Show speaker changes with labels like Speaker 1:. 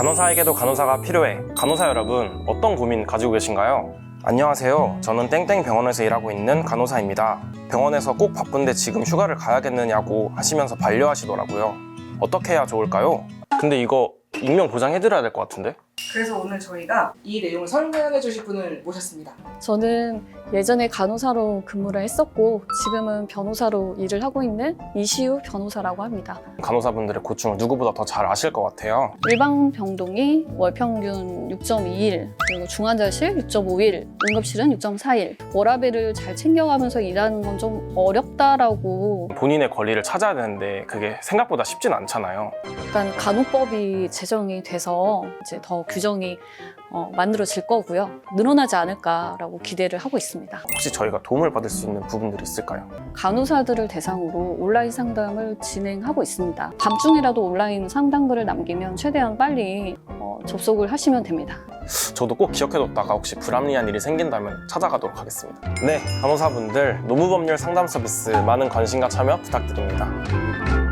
Speaker 1: 간호사에게도 간호사가 필요해. 간호사 여러분, 어떤 고민 가지고 계신가요? 안녕하세요. 저는 땡땡 병원에서 일하고 있는 간호사입니다. 병원에서 꼭 바쁜데 지금 휴가를 가야겠느냐고 하시면서 반려하시더라고요. 어떻게 해야 좋을까요? 근데 이거 익명 보장해드려야 될 것 같은데?
Speaker 2: 그래서 오늘 저희가 이 내용을 설명해 주실 분을 모셨습니다.
Speaker 3: 저는 예전에 간호사로 근무를 했었고 지금은 변호사로 일을 하고 있는 이시우 변호사라고 합니다.
Speaker 1: 간호사분들의 고충을 누구보다 더 잘 아실 것 같아요.
Speaker 3: 일반 병동이 월 평균 6.2일, 그리고 중환자실 6.5일, 응급실은 6.4일. 워라밸을 잘 챙겨가면서 일하는 건 좀 어렵다라고.
Speaker 1: 본인의 권리를 찾아야 되는데 그게 생각보다 쉽진 않잖아요.
Speaker 3: 일단 간호법이 제정이 돼서 이제 더 규정이 만들어질 거고요. 늘어나지 않을까라고 기대를 하고 있습니다.
Speaker 1: 혹시 저희가 도움을 받을 수 있는 부분들이 있을까요?
Speaker 3: 간호사들을 대상으로 온라인 상담을 진행하고 있습니다. 밤중이라도 온라인 상담글을 남기면 최대한 빨리 접속을 하시면 됩니다.
Speaker 1: 저도 꼭 기억해뒀다가 혹시 불합리한 일이 생긴다면 찾아가도록 하겠습니다. 네, 간호사분들 노무법률 상담 서비스 많은 관심과 참여 부탁드립니다.